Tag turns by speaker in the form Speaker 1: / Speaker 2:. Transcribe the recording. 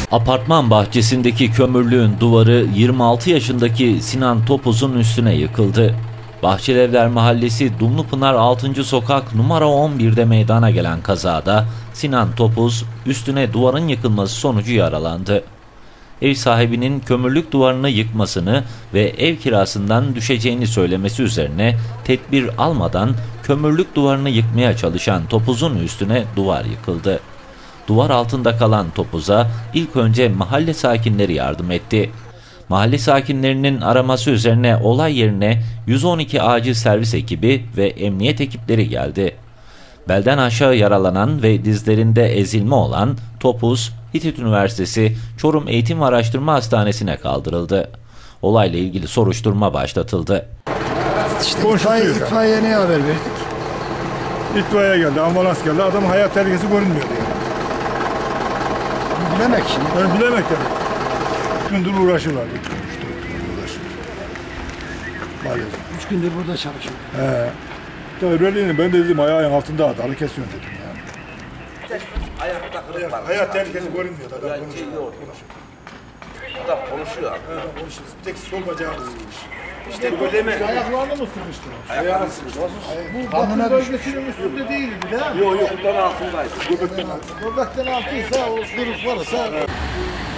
Speaker 1: Apartman bahçesindeki kömürlüğün duvarı 26 yaşındaki Sinan Topuz'un üstüne yıkıldı. Bahçelievler Mahallesi Dumlupınar 6. Sokak numara 11'de meydana gelen kazada Sinan Topuz üstüne duvarın yıkılması sonucu yaralandı. Ev sahibinin kömürlük duvarını yıkmasını ve ev kirasından düşeceğini söylemesi üzerine tedbir almadan kömürlük duvarını yıkmaya çalışan Topuz'un üstüne duvar yıkıldı. Duvar altında kalan Topuz'a ilk önce mahalle sakinleri yardım etti. Mahalle sakinlerinin araması üzerine olay yerine 112 acil servis ekibi ve emniyet ekipleri geldi. Belden aşağı yaralanan ve dizlerinde ezilme olan Topuz, Hitit Üniversitesi Çorum Eğitim ve Araştırma Hastanesi'ne kaldırıldı. Olayla ilgili soruşturma başlatıldı.
Speaker 2: İtfaiyeye ne haber verdik?
Speaker 3: İtfaiye geldi, ambulans geldi. Adamın hayat tehlikesi görünmüyordu yani.
Speaker 2: Bilemek şimdi.
Speaker 3: Ben bilemek tabii. 3 gündür uğraşıyorlar. 3
Speaker 2: Maalesef. 3 gündür burada çalışıyorum.
Speaker 3: Tabii öyleydi. Ben de dedim ayağın altında adalı kesiyorsun dedim yani. Hayat tehlikesi görünmüyor. Adam konuşuyor.
Speaker 4: Adam konuşuyor abi.
Speaker 3: Konuşuyor. Tek sol bacağı ısırmış.
Speaker 4: İşte böyle mi?
Speaker 3: Ayaklarını mı ısırmıştır?
Speaker 4: Ayaklarını ısırmıştır.
Speaker 2: Bu batı bölgesinin üstünde değildi değil mi?
Speaker 4: Yok, buradan altındaydı.
Speaker 3: Göbekten altı.
Speaker 2: Göbekten altıysa o kırık varsa...